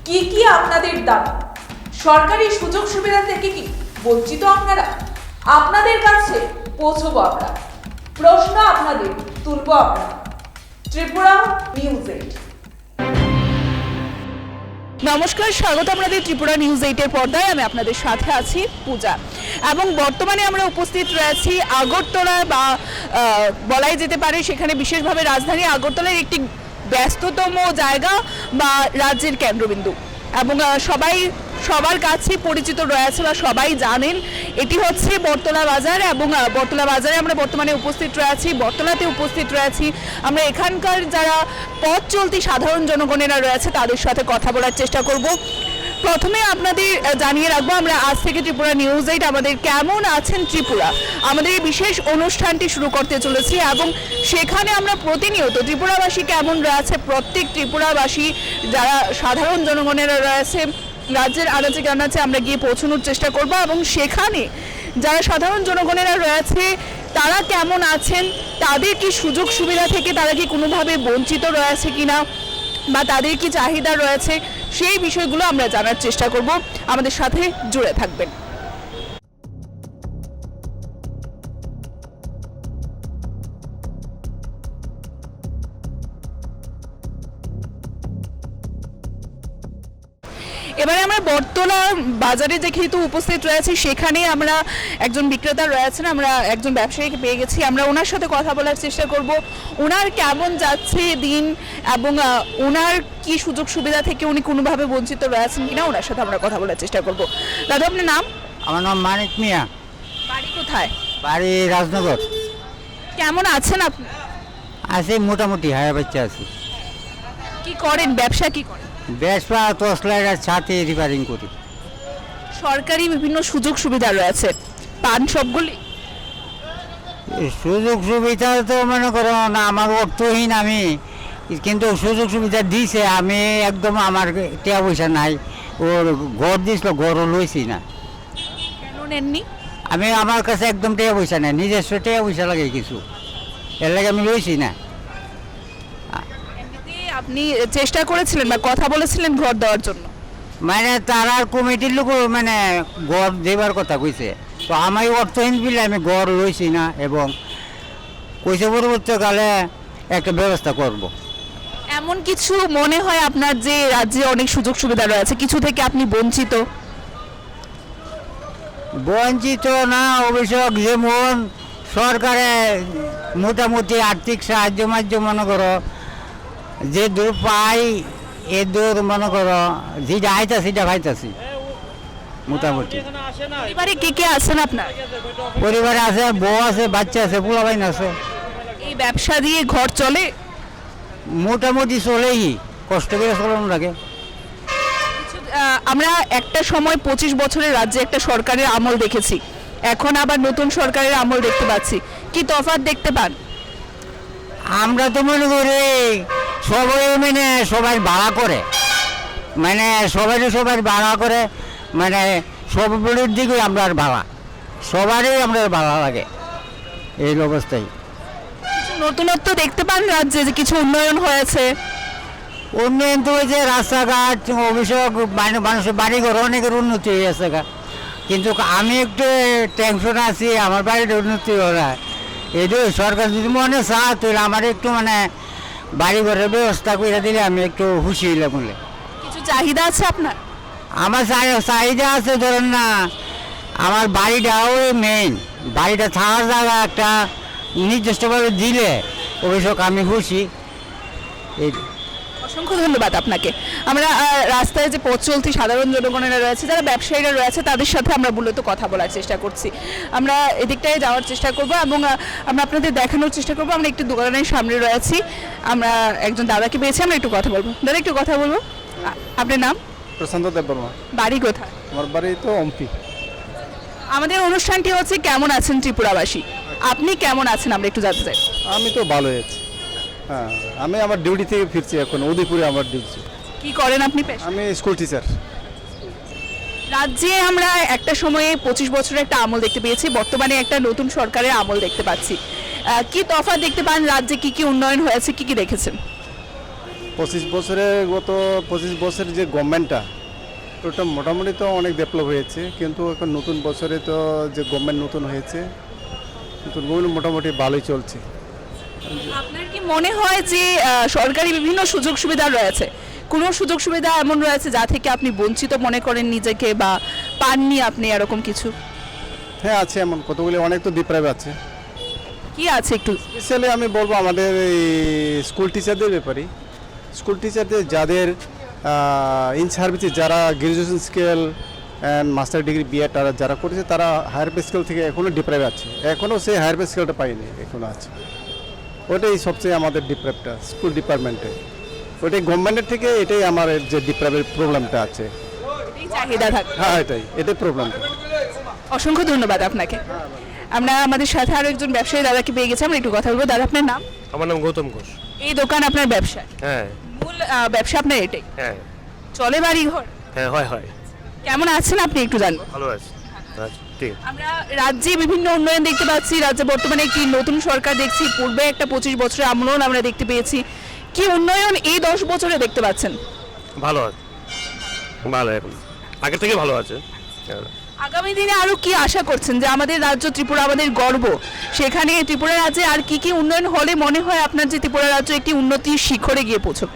কি কি আপনাদের দাবি? সরকারি সুযোগ সুবিধা থেকে কি বঞ্চিত আপনারা? আপনাদের কাছে পৌঁছবো আমরা, প্রশ্ন আপনাদের তুলবো আমরা। ত্রিপুরা নিউজ 8। নমস্কার, স্বাগত আপনাদের ত্রিপুরা নিউজ 8-এর পর্দায়। আমি আপনাদের সাথে আছি পূজা, এবং বর্তমানে আমরা উপস্থিত রয়েছি আগরতলা, বা বলাই যেতে পারে সেখানে বিশেষভাবে রাজধানী আগরতলার একটি ব্যস্ততম জায়গা বা রাজ্যের কেন্দ্রবিন্দু, এবং সবার কাছে পরিচিত রয়েছে বা সবাই জানেন এটি হচ্ছে বটতলা বাজার। এবং বটতলা বাজারে আমরা বর্তমানে উপস্থিত রয়েছি, বটতলাতে উপস্থিত রয়েছি। আমরা এখানকার যারা পথ চলতি সাধারণ জনগণেরা রয়েছে তাদের সাথে কথা বলার চেষ্টা করব। প্রথমে আপনাদের জানিয়ে রাখবো, আমরা আজ থেকে ত্রিপুরা নিউজ 8 আমাদের কেমন আছেন ত্রিপুরা, আমাদের এই বিশেষ অনুষ্ঠানটি শুরু করতে চলেছি, এবং সেখানে আমরা প্রতিনিয়ত ত্রিপুরাবাসী কেমন রয়েছে, প্রত্যেক ত্রিপুরাবাসী যারা সাধারণ জনগণেরা রয়েছে রাজ্যের আনাচে কানাচে আমরা গিয়ে পৌঁছানোর চেষ্টা করব, এবং সেখানে যারা সাধারণ জনগণেরা রয়েছে তারা কেমন আছেন, তাদের কি সুযোগ সুবিধা থেকে তারা কি কোনোভাবে বঞ্চিত রয়েছে কিনা, বা তাদের কি চাহিদা রয়েছে, সেই বিষয়গুলো আমরা জানার চেষ্টা করব। আমাদের সাথে জুড়ে থাকবেন। এবারে আমরা বটতলা বাজারে যেহেতু উপস্থিত রয়েছি, সেখানে আমরা একজন বিক্রেতা রয়েছেন, আমরা একজন ব্যবসায়ীকে পেয়ে গেছি, আমরা ওনার সাথে কথা বলার চেষ্টা করব। ওনার কেমন যাচ্ছে দিন, এবং ওনার কি সুযোগ সুবিধা থেকে উনি কোনোভাবে বঞ্চিত রয়েছেন কিনা, ওনার সাথে আমরা কথা বলার চেষ্টা করব। দাদা, আপনার নাম? আমার নাম মানিক মিয়া। বাড়ি কোথায়? বাড়ি রাজনগর। কেমন আছেন আপনি? আছি মোটামুটি, হায়া বাচ্চা আছি। কি করেন, ব্যবসা কি করেন? বেসপা টর্চ লাইটের ছাতে রিপেয়ারিং করি। সরকারি বিভিন্ন সুযোগ সুবিধা রয়েছে, পান সবগুলি? সুযোগ সুবিধা তো মনে করো না, আমার অর্থহীন আমি, কিন্তু সুযোগ সুবিধা দিছে, আমি একদম আমার টাকা পয়সা নাই। ওর ঘর দিছিল, ঘরও লইছি না। কেন নেননি? আমি আমার কাছে একদম টাকা পয়সা নাই, নিজস্ব টাকা পয়সা লাগে কিছু, এর লাগে আমি লইছি না। আপনি চেষ্টা করেছিলেন বা কথা বলেছিলেন ঘর দেওয়ার জন্য? মানে তারা কমিটির লোক মানে ঘর দেবার কথা কইছে, তো আমি অর্থহীন বিলে আমি ঘর লইছি না, এবং কইছে পরবর্তীকালে একটা ব্যবস্থা করব। এমন কিছু মনে হয় আপনার যে রাজ্যে অনেক সুযোগ সুবিধা রয়েছে, কিছু থেকে আপনি বঞ্চিত? বঞ্চিত না, অভিযোগ যেমন সরকারে মোটামুটি আর্থিক সাহায্য মাধ্যম মনে করো যে দূর পাই, এ দূর মনে করো যেটা আইতাছি সেটা পাইতাছি মোটামুটি। পরিবারে কে কে আছেন আপনার? পরিবারে আছে, বউ আছে, বাচ্চা আছে, পোলাপাইন আছে। এই ব্যবসা দিয়ে ঘর চলে? মোটামুটি চলেই, কষ্ট করে চলানো লাগে। আমরা একটা সময় 25 বছরের রাজ্যে একটা সরকারের আমল দেখেছি, এখন আবার নতুন সরকারের আমল দেখতে পাচ্ছি, কি তফাৎ দেখতে পান? আমরা তো মনে করি সবাই মানে সবাই ভাড়া করে, মানে সবাই ভাড়া করে, মানে সবের দিকে আমরা ভাড়া, সবারই আমরা ভাড়া লাগে এই অবস্থায়। কিছু নতুনত্ব দেখতে পান রাজ্যে, যে কিছু উন্নয়ন হয়েছে? উন্নয়ন তো হয়েছে, রাস্তাঘাট, অভিযোগ, মানুষের বাড়িঘর অনেকের উন্নতি হয়েছে, কিন্তু আমি একটু টেনশন আছি, আমার বাড়ির উন্নতি হয়। এইটাই সরকার যদি মনে চায় তাহলে আমার একটু মানে বাড়িঘরের ব্যবস্থা করে দিলে আমি একটু খুশি হইলাম বলে। কিছু চাহিদা আছে আপনার? আমার চাহিদা আছে, ধরেন না আমার বাড়িটাও মেইন, বাড়িটা থাকার জায়গা একটা নির্দিষ্টভাবে দিলে অভিযোগ আমি খুশি। এই অসংখ্য ধন্যবাদ আপনাকে। আমরা রাস্তায় যে পথ চলতি সাধারণ জনগণেরা রয়েছে, যারা ব্যবসায়ীরা রয়েছে, তাদের সাথে আমরা মূলত কথা বলার চেষ্টা করছি। আমরা এদিকটায় যাওয়ার চেষ্টা করব, এবং আমরা আপনাদের দেখানোর চেষ্টা করব। আমরা একটু দোকানের সামনে রয়েছি, আমরা একজন দাদাকে পেয়েছি, আমরা একটু কথা বলবো। দাদা, একটু কথা বলবো। আপনার নাম? প্রশান্ত দেববর্মা। বাড়ি কোথায়? আমার বাড়ি তো অম্পি। আমাদের অনুষ্ঠানটি হচ্ছে কেমন আছেন ত্রিপুরাবাসী, আপনি কেমন আছেন আমরা একটু জানতে চাই। আমি তো ভালোই আছি। হ্যাঁ, আমি আমার ডিউটি থেকে ফিরছি এখন, উদয়পুরে আমার ডিউটি। কি করেন আপনি পেশা? আমি স্কুল টিচার। রাজ্যে আমরা একটা সময়ে 25 বছরের একটা আমল দেখতে পেয়েছি, বর্তমানে একটা নতুন সরকারের আমল দেখতে পাচ্ছি। কি তফাৎ দেখতে পান রাজ্যে, কি কি উন্নয়ন হয়েছে, কি কি দেখেছেন? গত 25 বছরের যে গভর্নমেন্টটা ওটা মোটামুটি তো অনেক ডেভেলপ হয়েছে, কিন্তু এখন নতুন বছরে তো যে গভর্নমেন্ট নতুন হয়েছে, নতুন গভর্নমেন্ট মোটামুটি ভালোই চলছে। আপনার কি মনে হয় যে সরকারি বিভিন্ন সুযোগ সুবিধা রয়েছে, কোনো সুযোগ সুবিধা এমন রয়েছে যা থেকে আপনি বঞ্চিত মনে করেন নিজেকে বা পাননি আপনি এরকম কিছু? হ্যাঁ আছে, এমন কতগুলি অনেক তো ডিপ্রাইভ আছে। কি আছে একটু? স্পেশালি আমি বলবো আমাদের এই স্কুল টিচারদের ব্যাপারে। স্কুল টিচারদের যাদের ইন সার্ভিসে যারা graduation scale and master degree BEd যারা করেছে তারা হায়ার পে স্কেল থেকে এখনও ডিপ্রাইভ আছে, এখনও সেই হায়ার পে স্কেলটা পায়নি, এখনও আছে। ওটাই সবচেয়ে আমাদের ডিপ্রাইভটা স্কুল ডিপার্টমেন্টে, ওটাই গভর্নমেন্টের থেকে এটাই আমার যে ডিপ্রাইভের প্রবলেমটা আছে। এই চাহিদা থাকে। হ্যাঁ এটাই প্রবলেমটা। অসংখ্য ধন্যবাদ আপনাকে। আমরা আমাদের সাথে আরো একজন ব্যবসায়ী দাদাকে পেয়ে গেছি, আমরা একটু কথা বলবো। দাদা আপনার নাম? আমার নাম গৌতম ঘোষ। এই দোকান আপনার ব্যবসা? হ্যাঁ মূল ব্যবসা আপনার এটাই? হ্যাঁ চলে বাড়ি ঘর? হ্যাঁ হয়। কেমন আছেন আপনি একটু জানবো? ভালো আছে। আচ্ছা ঠিক আছে। আমরা রাজ্যে বিভিন্ন উন্নয়ন দেখতে পাচ্ছি, রাজ্যে বর্তমানে একটি নতুন সরকার দেখছি, পূর্বে একটা 25 বছরের আমলন আমরা দেখতে পেয়েছি। কি উন্নয়ন এই 10 বছরে দেখতে পাচ্ছেন? ভালো আছে, ভালো এখন আগের থেকে ভালো আছে। আগামী দিনে আরো কি আশা করছেন যে আমাদের রাজ্য ত্রিপুরা আমাদের গর্ব, সেখানে ত্রিপুরা রাজ্যে আর কি কি উন্নয়ন হলে মনে হয় আপনার যে ত্রিপুরা রাজ্য একটি উন্নতির শিখরে গিয়ে পৌঁছবে?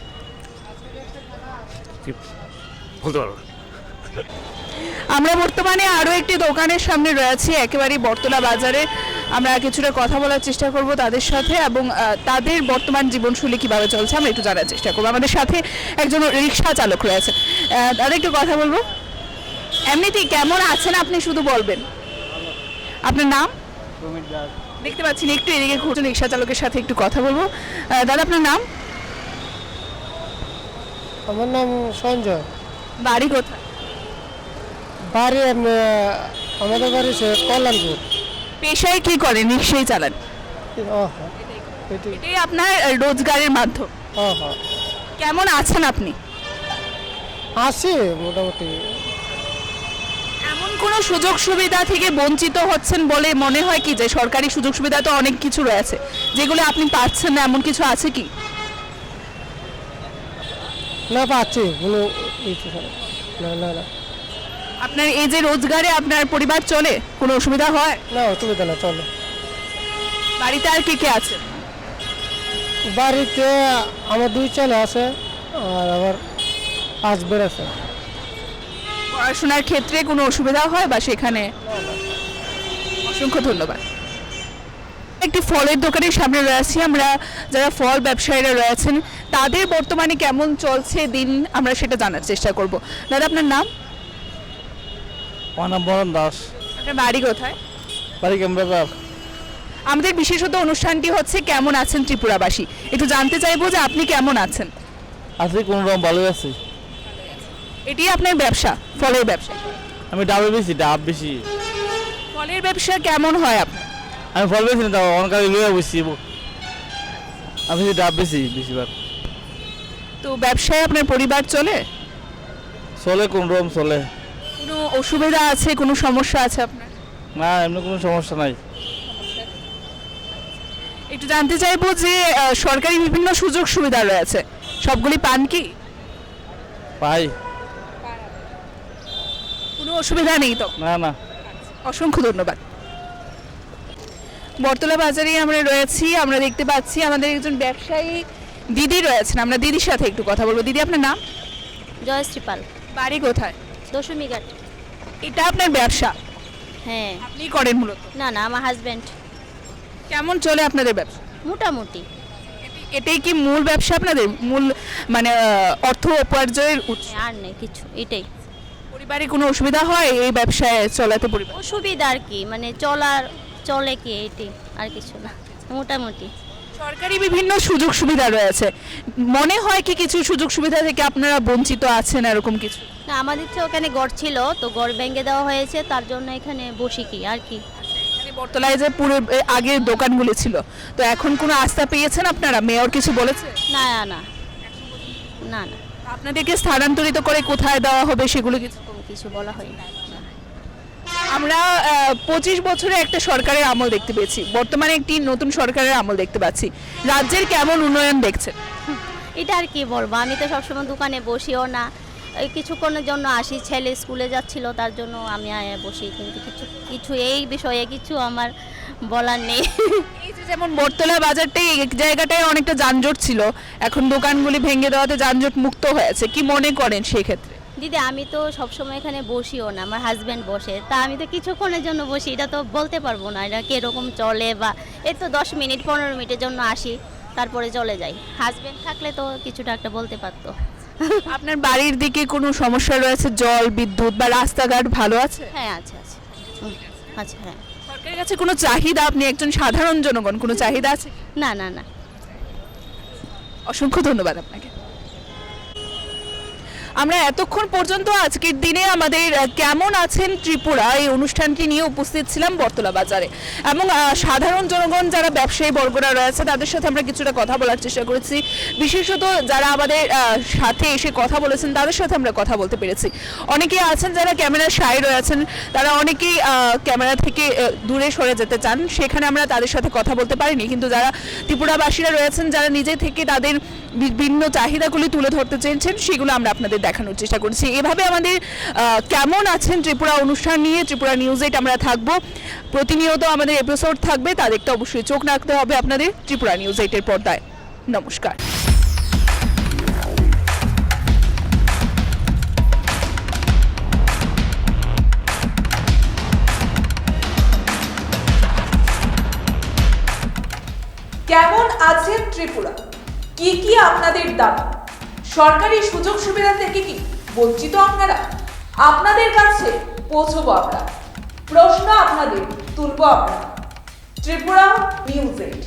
বলতে পারবো না। আমরা বর্তমানে আরো একটি দোকানের সামনে রয়েছি, একেবারে বটতলা বাজারে। আমরা কিছুটা কথা বলার চেষ্টা করব তাদের সাথে এবং তাদের বর্তমান জীবনশৈলী কিভাবে চলছে আমরা একটু জানার চেষ্টা করবো। আমাদের সাথে একজন রিক্সা চালক রয়েছে, তাদের একটু কথা বলবো। এমনিতেই কেমন আছেন আপনি শুধু বলবেন। আপনার নাম? দেখতে পাচ্ছি না, একটু এদিকে ঘুরছেন, রিক্সা চালকের সাথে একটু কথা বলবো। দাদা আপনার নাম? আমার নাম সঞ্জয়। বাড়ি কোথায়? বাড়ি আমাদের বাড়ি কল্যাণপুর। পেশায় কি করেন? রিক্সাই চালান? ও হ্যাঁ এটি এটাই আপনার রোজগারের মাধ্যম। ও হ্যাঁ কেমন আছেন আপনি? আছি মোটামুটি। এমন কোনো সুযোগ সুবিধা থেকে বঞ্চিত হচ্ছেন বলে মনে হয় কি, যে সরকারি সুযোগ সুবিধা তো অনেক কিছু রয়েছে যেগুলো আপনি পাচ্ছেন না, এমন কিছু আছে কি? না পাচ্ছি কোনো না আপনার এই যে রোজগারে আপনার পরিবার চলে, কোনো অসুবিধা হয়? না অসুবিধা না, চলে। বাড়িতে আর কে কে আছে? বাড়িতে আমার 2 ছেলে আছে আর আমার হাজবেন্ড আছে। পড়াশোনার ক্ষেত্রে কোনো অসুবিধা হয় বা সেখানে? অসংখ্য ধন্যবাদ। একটি ফলের দোকানের সামনে রয়েছি আমরা, যারা ফল ব্যবসায়ীরা রয়েছেন তাদের বর্তমানে কেমন চলছে দিন আমরা সেটা জানার চেষ্টা করব। দাদা আপনার নাম? আমার নাম বরণ দাস। আপনার বাড়ি কোথায়? বাড়ি ক্যামেরা। আমাদের বিশেষত অনুষ্ঠানটি হচ্ছে কেমন আছেন ত্রিপুরাবাসী। একটু জানতে চাইবো যে আপনি কেমন আছেন? আছি কোনো রকম ভালোই আছি। এটি আপনার ব্যবসা, ফলের ব্যবসা? আমি ডাবে বেশি, ডাব বেশি। ফলের ব্যবসা কেমন হয় আপনার? আমি ফল বেশি না, তাও অনেক লইয়া বসছি। আমি ডাব বেশি বেশিরভাগ। তো ব্যবসায় আপনার পরিবার চলে? চলে কোন রকম চলে। কোনো অসুবিধা আছে, কোনো সমস্যা আছে আপনার? না এমনি কোনো সমস্যা নাই। একটু জানতে চাইবো যে সরকারি বিভিন্ন সুযোগ সুবিধা রয়েছে, সবগুলি পান কি? পাই। কোনো অসুবিধা নেই তো? না। অসংখ্য ধন্যবাদ। বটতলা বাজারে আমরা রয়েছি, আমরা দেখতে পাচ্ছি আমাদের একজন ব্যবসায়ী দিদি রয়েছেন, আমরা দিদির সাথে একটু কথা বলবো। দিদি আপনার নাম? জয়শ্রী পাল। বাড়ি কোথায়? দশমীঘাট। এটা আপনার ব্যবসা? হ্যাঁ। আপনি করেন মূলত? না আমার হাজব্যান্ড। কেমন চলে আপনাদের ব্যবসা? মোটামুটি। এটাই কি মূল ব্যবসা আপনাদের, মূল মানে অর্থ উপার্জনের উৎস? আর নেই কিছু, এটাই। পরিবারে কোনো অসুবিধা হয় এই ব্যবসায় চলাতে? পরিবার অসুবিধা আর কি, মানে চলে কি এটাই, আর কিছু না, মোটামুটি। সরকারি বিভিন্ন সুযোগ সুবিধা রয়েছে, মনে হয় কি কিছু সুযোগ সুবিধা থেকে আপনারা বঞ্চিত আছেন এরকম কিছু? না আমাদের তো ওখানে গড় ছিল, তো গড় ভেঙে দেওয়া হয়েছে, তার জন্য এখানে বসি কি আর কি। বটতলায় যে পুরো আগের দোকানগুলি ছিল, তো এখন কোনো আস্থা পেয়েছেন আপনারা? মেয়র কিছু বলেছে? না না না না আপনাদেরকে স্থানান্তরিত করে কোথায় দেওয়া হবে সেগুলো কিছু? কিছু বলা হয়নি। আমরা 25 বছরে একটা সরকারের আমল দেখতে পেয়েছি, বর্তমানে একটি নতুন সরকারের আমল দেখতে পাচ্ছি। রাজ্যের কেমন উন্নয়ন দেখছেন? এটা আর কি বলবো, আমি তো সবসময় দোকানে বসিও না, এই কিছুক্ষণের জন্য আসি, ছেলে স্কুলে যাচ্ছিল তার জন্য আমি বসি, কিন্তু কিছু এই বিষয়ে কিছু আমার বলার নেই। এই যে যেমন বটতলা বাজারটাই এক জায়গাটায় অনেকটা যানজট ছিল, এখন দোকানগুলি ভেঙে দেওয়াতে যানজট মুক্ত হয়েছে, কি মনে করেন সেই ক্ষেত্রে? দিদি আমি তো সবসময় এখানে বসিও না, আমার হাজব্যান্ড বসে, তা আমি তো কিছুক্ষণের জন্য বসি, এটা তো বলতে পারবো না এটা কীরকম চলে, বা এই তো 10 মিনিট 15 মিনিটের জন্য আসি তারপরে চলে যাই। হাজব্যান্ড থাকলে তো কিছুটা একটা বলতে পারতো। আপনার বাড়ির দিকে কোনো সমস্যা রয়েছে, জল বিদ্যুৎ বা রাস্তাঘাট ভালো আছে? হ্যাঁ আছে আছে আচ্ছা হ্যাঁ। সরকারের কাছে কোনো চাহিদা, আপনি একজন সাধারণ জনগণ, কোনো চাহিদা আছে? না না না। অসংখ্য ধন্যবাদ আপনাকে। আমরা এতক্ষণ পর্যন্ত আজকের দিনে আমাদের কেমন আছেন ত্রিপুরা এই অনুষ্ঠানটি নিয়ে উপস্থিত ছিলাম বটতলা বাজারে, এবং সাধারণ জনগণ যারা ব্যবসায়ী বর্গরা রয়েছে তাদের সাথে আমরা কিছুটা কথা বলার চেষ্টা করেছি, বিশেষত যারা আমাদের সাথে এসে কথা বলেছেন তাদের সাথে আমরা কথা বলতে পেরেছি। অনেকেই আছেন যারা ক্যামেরার সাই রয়েছেন, তারা অনেকেই ক্যামেরা থেকে দূরে সরে যেতে চান, সেখানে আমরা তাদের সাথে কথা বলতে পারিনি, কিন্তু যারা ত্রিপুরাবাসীরা রয়েছেন যারা নিজে থেকে তাদের বিভিন্ন চাহিদাগুলি তুলে ধরতে চেয়েছেন সেগুলো আমরা আপনাদের দেখানোর চেষ্টা করছি। এভাবে আমাদের কেমন আছেন ত্রিপুরা অনুষ্ঠান নিয়ে ত্রিপুরা নিউজ 8 আমরা থাকবো, প্রতিনিয়ত আমাদের এপিসোড থাকবে, তা দেখতে অবশ্যই চোখ রাখতে হবে আপনাদের ত্রিপুরা নিউজ 8 এর পর্দায়। নমস্কার। কেমন আছেন ত্রিপুরা? কি কি আপনাদের দাবি? সরকারি সুযোগ সুবিধা থেকে কি বঞ্চিত আপনারা? আপনাদের কাছে পৌঁছবো আমরা, প্রশ্ন আপনাদের তুলবো আমরা। ত্রিপুরা নিউজ 8।